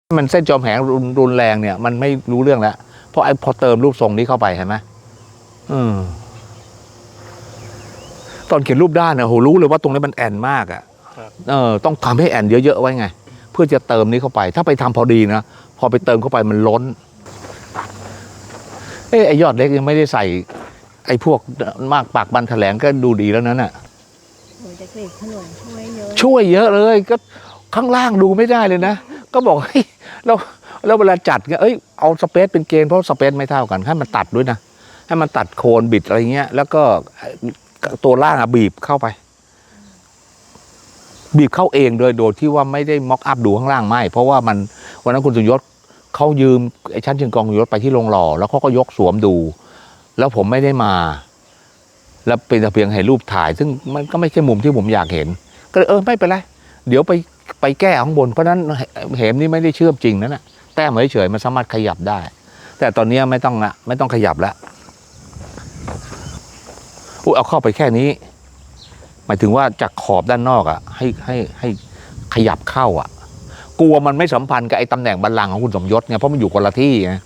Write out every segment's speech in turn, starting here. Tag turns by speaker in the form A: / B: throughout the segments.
A: มันเส้นจอมแหงรุนแรงเนี่ยมันไม่รู้เรื่องแล้วเพราะพอเติมรูปทรงนี้เข้าไปเห็นไหมตอนเขียนรูปด้านเนี่ยโหรู้เลยว่าตรงนี้มันแอนมากอ่ะต้องทำให้แอนเยอะๆไว้ไงเพื่อจะเติมนี้เข้าไปถ้าไปทำพอดีนะพอไปเติมเข้าไปมันล้นไอยอดเล็กยังไม่ได้ใส่ไอพวกมากปากบันแถลงก็ดูดีแล้วนั้นอ่ะ
B: เด็กๆขนม
A: ช่วยเยอะเลยก็ข้างล่างดูไม่ได้เลยนะก็บอกเฮ้ยแล้วเวลาจัดเอ้ยเอาสเปซเป็นเกณฑ์เพราะสเปซไม่เท่ากันให้มันตัดด้วยนะให้มันตัดโคนบิดอะไรเงี้ยแล้วก็ตัวล่างบีบเข้าไปบีบเข้าเองโดยที่ว่าไม่ได้ม็อกอัพดูข้างล่างไม่เพราะว่ามันวันนั้นคุณสุยศเขายืมไอ้ชั้นเชิงกองยศไปที่โรงหล่อแล้วเขาก็ยกสวมดูแล้วผมไม่ได้มาแล้วเป็นแต่เพียงให้รูปถ่ายซึ่งมันก็ไม่ใช่มุมที่ผมอยากเห็นก็เลยไม่เป็นไรเดี๋ยวไปแก้ข้างบนเพราะนั้นเหมนี่ไม่ได้เชื่อมจริงนั่นแหละแต้มเฉยๆมันสามารถขยับได้แต่ตอนนี้ไม่ต้องขยับแล้วเอาเข้าไปแค่นี้หมายถึงว่าจากขอบด้านนอกให้ขยับเข้าอ่ะกลัวมันไม่สัมพันธ์กับไอ้ตำแหน่งบัลลังก์ของคุณสมยศไงเพราะมันอยู่คนละที่ไง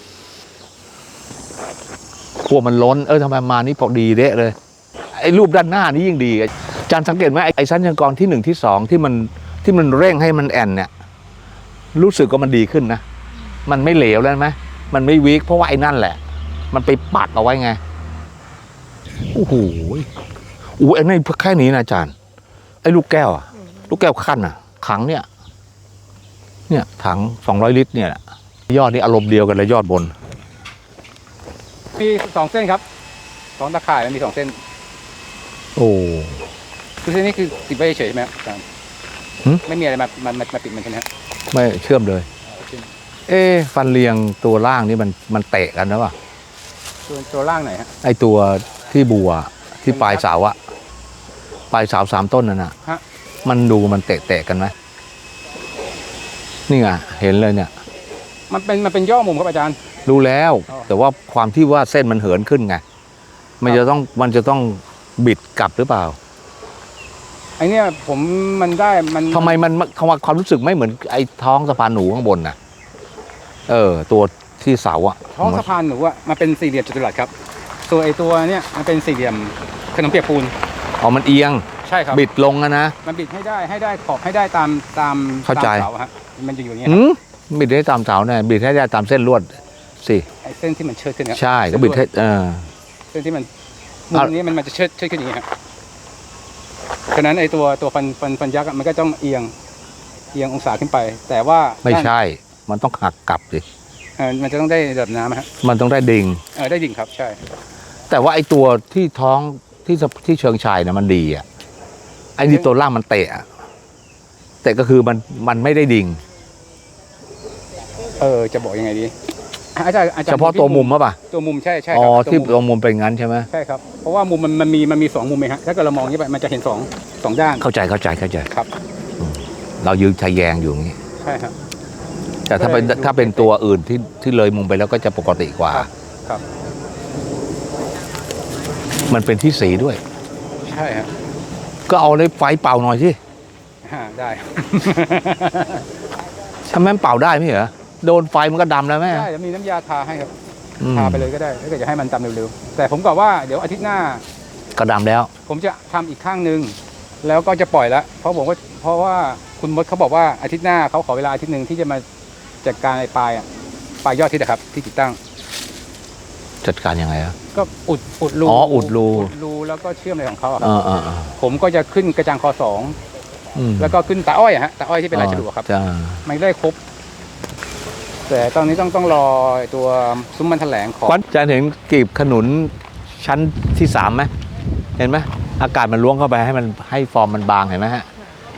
A: กลัวมันล้นทำไมมานี่พอดีเด้เลยไอ้รูปด้านหน้านี่ยิ่งดีอาจารย์สังเกตไหมไอ้ชั้นเชิงกรที่1ที่2ที่มันเร่งให้มันแอนเนี่ยรู้สึกว่ามันดีขึ้นนะมันไม่เหลวแล้วไหมมันไม่วีคเพราะว่าไอ้นั่นแหละมันไปปักเอาไว้ไงโอ้โหไอ้นี่แค่นี้นะอาจารย์ไอ้ลูกแก้วอะลูกแก้วขั้นอะถังเนี่ยถัง200 ลิตรเนี่ยยอดนี่อารมณ์เดียวกันเลยยอดบน
C: มี2 เส้นครับ2 ตะข่ายมันมี2 เส้น
A: โอ้
C: คือเส้นนี้คือติดไว้เฉยใช่ไหมอาจารย์ไม่มีอะไรมาปิดมันใช่ไหมครับ
A: ไม่เชื่อมเลยฟันเรียงตัวล่างนี่มันเตะกันนะวะ
C: ตัวล่างไหนฮะ
A: ไอตัวที่บัวที่ปลายเสาอะปลายเสา3 ต้นนั่นน่ะมันดูมันเตะกันไหมนี่ไงเห็นเลยเนี่ย
C: มันเป็นย่อมุมครับอาจารย์
A: รู้แล้วแต่ว่าความที่ว่าเส้นมันเหินขึ้นไงมันจะต้องบิดกลับหรือเปล่า
C: ไอเนี้ยมัน
A: ทำไมมันความรู้สึกไม่เหมือนไอ้ท้องสะพานหนูข้างบนน่ะตัวที่เสาอะ
C: ท้องสะพานหนูอะมันเป็นสี่เหลี่ยมจัตุรัสครับส่วนไอตัวเนี้ยมันเป็นสี่เหลี่ยมขนมเปียกปูน
A: มันเอียง
C: ใช่ครับ
A: บิดลงนะ
C: มันบิดให้ได้ขอบให้ได้ตาม
A: เข้าใจ
C: เสาฮะมันจะอยู่อย่างเงี้ย
A: บิดได้ตามเสาเนี่ยบิดให้ได้ตามเส้นลวดสิ
C: ไอเส้นที่มันเชิดขึ้นครับ
A: ใช่ก็บิดให้
C: เส้นที่มันมุมนี้มันจะเชิดขึ้นอย่างเงี้ยครับฉะนั้นไอตัวฟันยักษ์มันก็ต้องเอียงองศาขึ้นไปแต่ว่า
A: ไม่ใช่มันต้องหักกลับสิ
C: มันจะต้องได้ระดับน้ำฮะ
A: มันต้องได้ดิ่ง
C: ได้ดิ่งครับใช่
A: แต่ว่าไอตัวที่ท้องที่เชิงชายเนี่ยมันดีอ่ะไอ้นี่ตัวล่างมันเตะก็คือมันไม่ได้ดิ่ง
C: จะบอกยังไงดีอาจารย์
A: เฉพาะตัวมุมป่ะ
C: ตัวมุมใช่
A: ที่ตัวมุมเป็นงั้นใช่ไหม
C: ใช่ครับเพราะว่ามุมมันมี2 มุมเองฮะถ้าเกิดเรามองนี้ไปมันจะเห็น2 ด้าน
A: เข้าใจ
C: ครับ
A: เรายืนทะแยงอยู่อย่างนี้
C: ใช่ครับ
A: แต่ถ้าเป็นตัวอื่นที่เลยมุมไปแล้วก็จะปกติกว่า
C: ครับ
A: มันเป็นที่สีด้วย
C: ใช่ครับ
A: ก็เอาเลยไฟเป่าหน่อยสิ
C: ได้
A: ทำไมเป่าได้ไม่เหรอโดนไฟมันก็ดำแล้วไหม
C: ใช่มีน้ำยาทาให้ครับทาไปเลยก็ได้ถ้าเกิดจะให้มันดำเร็วๆแต่ผมบอกว่าเดี๋ยวอาทิตย์หน้า
A: ก็ดำแล้ว
C: ผมจะทำอีกข้างนึงแล้วก็จะปล่อยแล้วเพราะว่าคุณมดเขาบอกว่าอาทิตย์หน้าเขาขอเวลาอาทิตย์นึงที่จะมาจัดการไอ้ปลายยอดที่นะครับที่ติดตั้ง
A: จัดการยังไงครับ
C: ก็อุดรู
A: อุด
C: รูแล้วก็เชื่อมอะไรของเขาผมก็จะขึ้นกระจังคอ2แล้วก็ขึ้นตาอ้อยฮะตาอ้อยที่เป็นลายฉลุครับไม่ได้ครบแต่ตอนนี้ต้องรอตัวซุ้มมันแถลงของ
A: จะเห็นกีบขนุนชั้นที่3ไหมเห็นไหมอากาศมันล้วงเข้าไปให้ฟอร์มมันบางเห็นไหมฮะ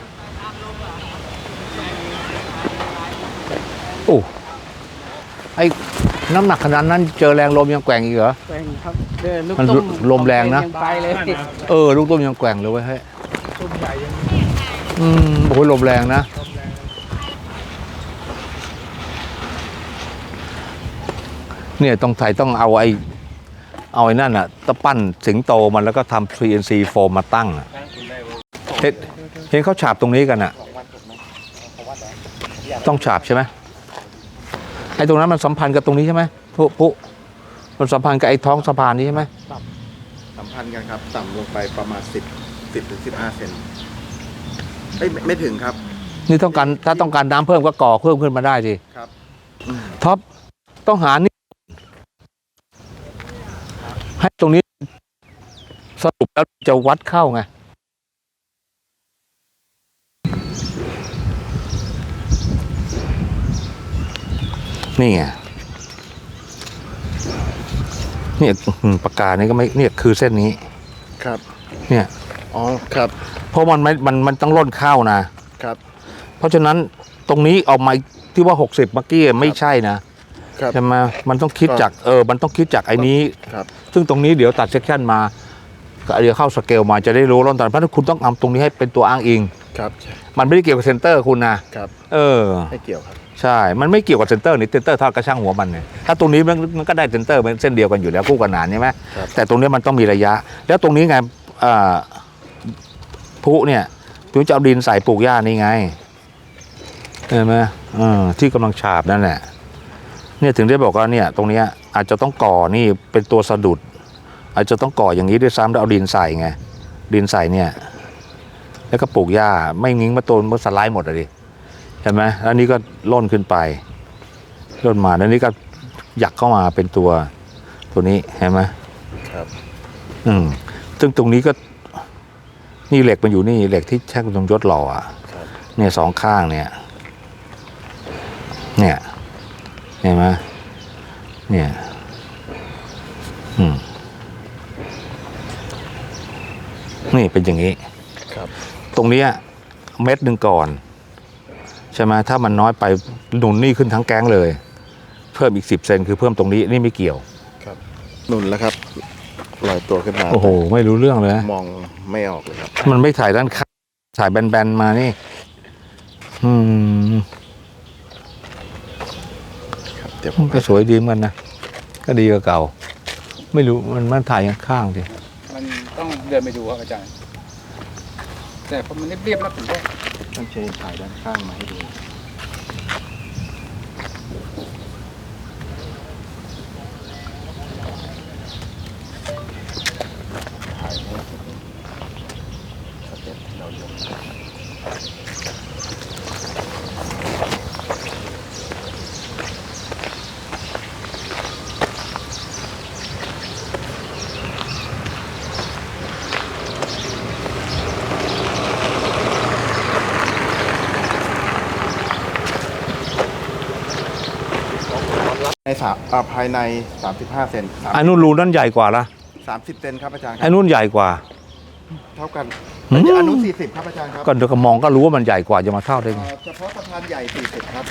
A: โอ้ไอ้น้ำหนักขนาดนั้นเจอแรงลมยังแกว่งอีกเหรอ
B: แกว่งครับ
A: มันลมแรงนะ
B: ไปเลย
A: ลูกต้มยังแกว่งเลยเว้ยเฮ้ยโอ้ยลมแรงนะเนี่ยต้องเอาไอ้นั่นอ่ะตะปั้นสิงโตมันแล้วก็ทำ CNC โฟมมาตั้งอ่ะเห็นเขาฉาบตรงนี้กันอ่ะต้องฉาบใช่ไหมไอ้ตรงนั้นมันสัมพันธ์กับตรงนี้ใช่ไหมปุ๊มันสัมพันธ์กับไอ้ท้องสะพานนี้ใช่ไหม
D: สัมพันธ์กันครับต่ำลงไปประมาณ10 ถึง 15 เซนไม่ถึงครับ
A: นี่ต้องการถ้าต้องการน้ำเพิ่มก็ก่อเพิ่มขึ้นมาได้สิ
D: ครับ
A: ท็อปต้องหานี่ให้ตรงนี้สรุปแล้วจะวัดเข้าไงนี่ไงเนี่ยปากกานี่ก็ไม่เนี่ยคือเส้นนี้
D: ครับ
A: เนี่ย
D: อ๋อครับ
A: เพราะมันต้องล่นเข้านะครับ เพราะฉะนั้นตรงนี้ออกมาที่ว่า60เมื่อกี้ไม่ใช่นะครับ ใช่ไหมมันต้องคิดจากมันต้องคิดจากไอ้นี้
D: ครับ
A: ซึ่งตรงนี้เดี๋ยวตัดเซกชันมาก็เดี๋ยวเข้าสเกลมาจะได้รู้ร่อนตอนเพราะคุณต้องเอาตรงนี้ให้เป็นตัวอ้างอิง
D: ครับ
A: มันไม่ได้เกี่ยวกับเซนเตอร์คุณนะครับ
D: ไม่เกี่ยวครับ
A: ใช่มันไม่เกี่ยวกับเซนเตอร์นี่เซนเตอร์ทอดกระช่างหัวมันเนี่ยถ้าตรงนี้มันก็ได้เซนเตอร์เป็นเส้นเดียวกันอยู่แล้วคู่ขนานใช่ไหม
D: ครับ
A: แต่ตรงนี้มันต้องมีระยะ แล้วตรงนี้ไงพุเนี่ยถึงจะเอาดินใส่ปลูกหญ้านี่ไงเห็นไหมที่กำลังฉาบนั่นแหละเนี่ยถึงได้บอกว่าเนี่ยตรงเนี้ยอาจจะต้องก่อนี่เป็นตัวสะดุดอาจจะต้องก่ออย่างนี้ด้วยซ้ำแล้วเอาดินใส่ไงดินใส่เนี่ยแล้วก็ปลูกหญ้าไม่งิ้งมาต้นมันสไลด์หมดเลยเห็นไหมแล้วนี่ก็ล่นขึ้นไปล่นมาแล้วนี่ก็หยักเข้ามาเป็นตัวนี้เห็นไหม
D: ครับ
A: ซึ่งตรงนี้ก็นี่เหล็กมันอยู่นี่เหล็กที่แช่คุณสมยศหล่ออ่ะ
D: ครับ
A: เนี่ยสองข้างเนี่ยเห็นไหมเนี่ยนี่เป็นอย่างนี้
D: ครับ
A: ตรงเนี้ยเม็ดหนึ่งก่อนใช่ไหมถ้ามันน้อยไปหนุนนี่ขึ้นทั้งแก๊งเลย เพิ่มอีก10 เซนคือเพิ่มตรงนี้นี่ไม่เกี่ยว
D: ครับหนุนแล้วครับลอยตัวขึ้นมา
A: โอ้โหไม่รู้เรื่องเลย
D: มองไม่ออกเลยครับ
A: มันไม่ถ่ายด้านข้างถ่ายแบนๆมานี่
D: ครับเดี๋ยวผ
A: มั
D: ม
A: นก็สวยดีเหมือนกันนะก็ดีกว่าเก่า ไม่รู้มันถ่ายข้างๆดิ
C: มันต้องเดินไปดูครับอาจารย์ แต่พอมันเรียบๆแล้วผมก็
D: ต้องเชิญถ่ายด้านข้างมาให้ดูถ่ายให้สเต็ปที่เรายก ในภายใน35 เซน
A: ไอ้นู่นรูนั่นใหญ่กว่าละ
D: 30 เซนครับอาจารย์ค
A: ไอ้
D: รับ
A: นู่นใหญ่กว่า
D: เท่ากัน
A: อืม
D: อนุ40ครับอาจารย์ครับ
A: ก็เดี๋ยวก็มองก็รู้ว่ามันใหญ่กว่าจะมาเท่าได้ไง
D: เฉพาะสะพานใหญ่40ครับ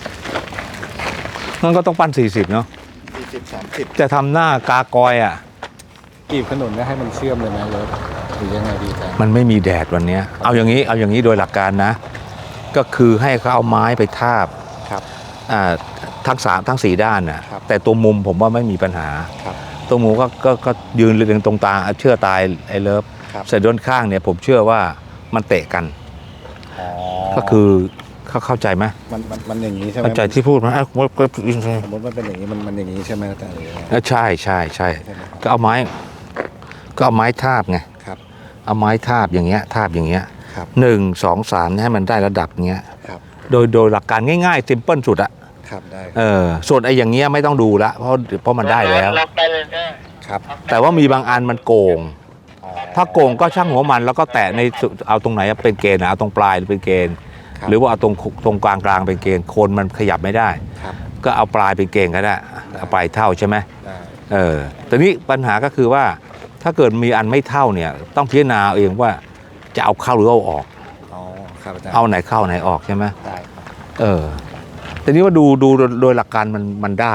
A: งั้นก็ต้องปั้น40เนาะ
D: 40 30
A: จะทำหน้ากากอยอ่ะ
C: กีบขนุนแล้วให้มันเชื่อมเลยไหมเลยหรือยังไงดีอาจารย์
A: มันไม่มีแดดวันเนี้ยเอาอย่างนี้โดยหลักการนะ ก็คือให้เขาเอาไม้ไปทาบ
C: ครับ
A: ทั้งสี่ด้านน่ะ
C: ครับ
A: แต่ตัวมุมผมว่าไม่มีปัญหา
C: ครับ
A: ตัวมุมก็ยืนเรียงตรงตาเชื่อตายไอ้เลิฟ
C: ครับ
A: เสร็จด้านข้างเนี่ยผมเชื่อว่ามันเตะกัน
C: อ๋อ
A: ก็คือเข้าใจไหม
C: มันอย่างนี้ใช่ไหม
A: เข้าใจที่พูดไหม
C: สมมติมันเป็นอย่างนี้มันอย่างนี้ใช่ไหมอาจารย์หรือยังไง
A: ใช่
C: ใช่ไหมครับ
A: ก็เอาไม้ทาบไง
C: ครับ
A: เอาไม้ทาบอย่างเงี้ย
C: ครับ
A: 1 2 3ให้มันได้ระดับเงี้ย
C: ครับ
A: โดยหลักการง่ายๆซิมเปิลสุดอะ
C: ครับได้
A: ส่วนไอ้อย่างเงี้ยไม่ต้องดูละเพราะมันได้แล้ว
C: ครับ
A: แต่ว่ามีบางอันมันโกง
C: อ๋อ
A: ถ้าโกงก็ช่างหัวมันแล้วก็แตะในสุดเอาตรงไหนเป็นเกณฑ์เอาตรงปลายเป็นเกณฑ์
C: ครับ
A: หรือว่าเอาตรงกลางเป็นเกณฑ์โคนมันขยับไม่ได้
C: ครับ
A: ก็เอาปลายเป็นเกณฑ์ก็ได้เอาปลายเท่าใช่ไหม
C: ได้
A: แต่นี้ปัญหาก็คือว่าถ้าเกิดมีอันไม่เท่าเนี่ยต้องพิจารณาเองว่าจะเอาเข้าหรือเอาออก
C: อ๋อครับอาจารย์
A: เอาไหนเข้าไหนออกใช่ไหม
C: ได้ครับ
A: แต่นี้ว่าดูโดยหลักการมันได้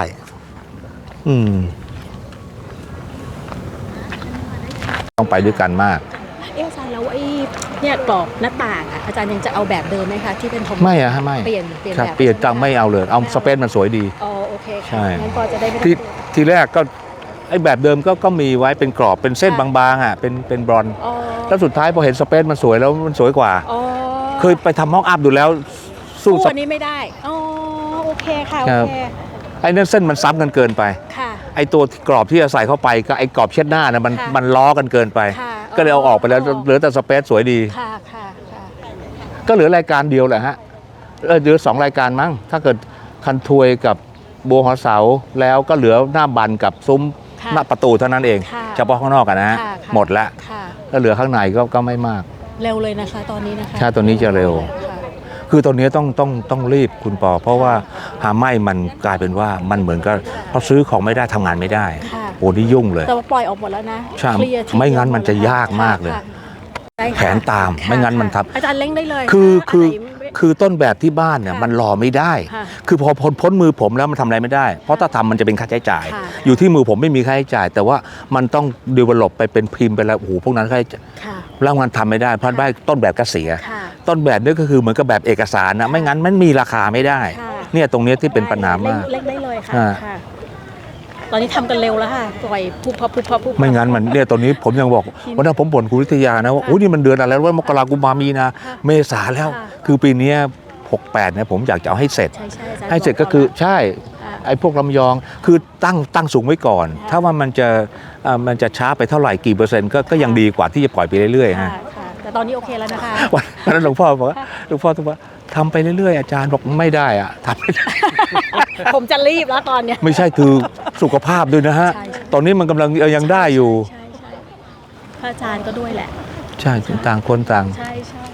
A: ต้องไปด้วยกันมาก
B: อาจารย์แล้วไอ้เนี่ยกรอบหน้าต่างอ่ะอาจารย์ยังจะเอาแบบเดิมไหมคะที่เป็นธง
A: ไม่อะไม่
B: เปลี่ยน
A: ครับ
B: แบบ
A: เปลี่ยนจังไม่เอาเลยเอาสเปซมันสวยดี
B: อ๋อโอเค
A: ใช่
B: ค่ะงั้นพอจะได้ไม่ต้อง
A: ทีแรกก็ไอ้แบบเดิมก็มีไว้เป็นกรอบเป็นเส้นบางๆอ่ะเป็นบรอนซ์
B: อ๋อ
A: แล้วสุดท้ายพอเห็นสเปซมันสวยแล้วมันสวยกว่า
B: อ๋อ
A: เคยไปทำห้องอัพดูแล้วสู้
B: คู่
A: ส
B: อันนี้ไม่ได้อ๋อโอเคค่ะ
A: ครั
B: โอบ เค
A: ไอ้นั่นเส้นมันซ้ำกันเกินไป
B: ค่ะ
A: ไอ้ตัวกรอบที่จะใส่เข้าไปก็ไอ้กรอบเช็ดหน้านะ
B: ค่ะ
A: มันล้อกันเกินไป
B: ค่ะ
A: ก็เลยเอาออกไปแล้วเหลือแต่สเปซสวยดี
B: ค่ะค่ะค่ะ
A: ก็เหลือรายการเดียวแหละฮะเหลือ2 รายการมั้งถ้าเกิดคันทวยกับบัวหัวเสาแล้วก็เหลือหน้าบันกับซุ้ม
B: ค่ะ
A: หน้าประตูเท่านั้นเอง
B: ค่ะ
A: เฉพาะข้างนอกอะนะฮะ
B: ค่ะค่ะ
A: หมดละ
B: ค่ะ
A: ก็เหลือข้างในก็ไม่มาก
B: เร็วเลยนะคะตอนนี้นะคะ
A: ใช่ตัวนี้จะเร็ว
B: ค่ะ
A: คือตอนนี้ต้องรีบคุณปอ เพราะว่าหาไม่มันกลายเป็นว่ามันเหมือนกับพอซื้อของไม่ได้ทำงานไม่ได้
B: ค่ะ
A: โอ้นี่ยุ่งเลย
B: แต่ว่าปล่อยออกหมดแล้วนะ
A: ใช่
B: เคลียร์ที
A: ไม่งั้น
B: เดียว
A: มันจะ
B: หดแล้ว
A: ยากมากเลย
B: ค่ะได้ค่ะ
A: แผนตาม
B: ค่ะ
A: ไม่งั้นมันทับ
B: อาจารย์เล้งได้เลย
A: คือ
B: ค่ะ
A: คือ
B: อันไหน
A: คือต้นแบบที่บ้านเนี่ย
B: ค่ะ
A: มันรอไม่ได้
B: ค่ะ
A: คือพอพ้นมือผมแล้วมันทำอะไรไม่ได้ เพราะถ้าทำมันจะเป็นค่าใช้จ่าย
B: ค่ะ
A: อยู่ที่มือผมไม่มีค่าใช้จ่าย แต่ว่ามันต้องดีเวลลอปไปเป็นพิมพ์ไปแล้วโอ้โหพวกนั้นค่าใช้จ่าย
B: ค่ะ
A: แล้วมันทำไม่ได้เพราะว่าต้นแบบก็เสีย
B: ค่ะ
A: ต้นแบบนี่ก็คือเหมือนกับแบบเอกสารนะไม่งั้นมันมีราคาไม่ได้
B: ค่ะ
A: เนี่ยตรงเนี้ยที่เป็นปัญหามาก
B: เล็กได้เลยค่ะ
A: อ่า
B: ค่ะ ตอนนี้ทำกันเร็วแล้วค่ะปล่อยพุบพับพุบพับพุบพับ
A: ไม่งั้นมันเนี่ยตอนนี้ผมยังบอกวันนั้นผมบ่นคุณวิทยานะว่า
B: ค่ะ
A: โอ้ยนี่มันเดือนอะไรว่ามกรากุมภามีนา
B: ค่ะ
A: เมษาแล้ว
B: ค่ะ
A: คือปีเนี้ย68เนี่ยผมอยากจะเอาให้เสร็จ
B: ใช่ใช่อาจารย์
A: ให้เสร็จก็คือใช่
B: ค่ะ
A: ไอ้พวกลำยองคือตั้งสูงไว้ก่อน
B: ค่ะ
A: ถ้าว่ามันจะช้าไปเท่าไหร่กี่เปอร์เซ็นต์ก็ยังดีกว่าที่จะปล่อยไปเรื่อยๆ
B: ค่ะ
A: ฮะ
B: ค่ะแต่ตอนนี้โอเคแล้วนะคะ
A: วันนั้นหลวงพ่อบอกว่าหลวงพ่อบอกว่าทำไปเรื่อยๆอาจารย์บอกไม่ได้อะทำไม่ได้
B: ผมจะรีบแล้วตอนเนี้ย
A: ไม่ใช่คือสุขภาพด้วยนะฮะ
B: ใช่ใช่
A: ตอนนี้มันกำลังยังได้อยู่
B: ใช่ใช่พระอาจารย์ก็ด้วยแหละ
A: ใช่ต่างคนต่าง
B: ใช่ใช่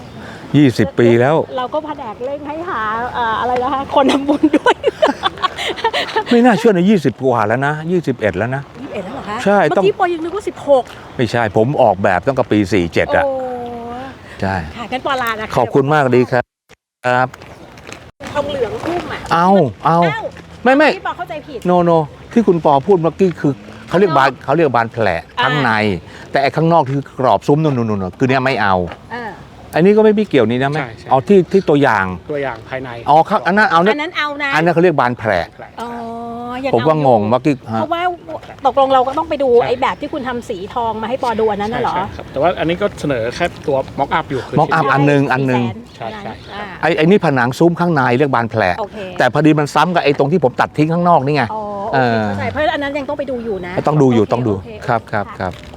A: 20 ปีแล้ว
B: เราก็แผนกเร่งให้หาอะไรนะคะคนทำบุญด้วย
A: ไม่น่าเชื่อนะ20 กว่าแล้วนะ 21 แล้วนะ
B: 21แล้วเหรอคะ
A: ใช่ต้อง
B: เมื่อกี้ปอยยังนึกว่า16
A: ไม่ใช่ผมออกแบบตั้งแต่ปี 47 อ่ะ
B: โอ้
A: ใช่
B: ค่ะกันปอลานะคะ
A: ขอบคุณมากดีครับครับ
B: ทองเหลืองทุ่มอ่ะ
A: เอา
B: อ้าว
A: ไม่
B: พี่ปอเข้าใจผิด
A: โนที่คุณปอพูดเมื่อกี้คือเขาเรียกบานแผลข้างใน แต่ไอ้ข้างนอกที่กรอบซุ้มนู่นคือเนี่ยไม่เอา
B: อ่า
A: อันนี้ก็ไม่มีเกี่ยวนี่นะไม่
C: ใช่ใช่
A: เอาที่ตัวอย่าง
C: ตัวอย่างภายใน
A: อ๋อครับอันนั้นเอา
B: อั
A: เนี่ย
B: นนั้นเอานะ
A: อันนั้นเขาเรียกบานแผล
B: อ๋อยัง
A: ผมว่างง
B: อยู่
A: เมื่อกี้
B: เพ
A: ฮะ
B: ราะว่าตกลงเราก็ต้องไปดู
C: ใช่
B: ไอ้แบบที่คุณทำสีทองมาให้ปอดูอันนั้นน่ะเหรอ
C: ใช่ครับแต่ว่าอันนี้ก็เสนอแค่ตัวม็อกอัพอยู่คื
A: mock up อันหนึ่ง
C: ใช่ใช่
B: อ่า
A: ไอ้นี่ผนังซุ้มข้างในเรียกบานแผล
B: โอเค
A: แต่พอดีมันซ้ำกับไอ้ตรงที่ผมตัดทิ้งข้างนอกนี่ไง
B: อ๋อโอ
A: เอ
B: เค
A: อ
B: เข้าใจเพราะอันนั้นยังต้องไปดูอยู่นะ
A: ต้องดูอยู่ต้องดู
B: โอเค
A: ครับ
B: ค่ะ
A: ครับ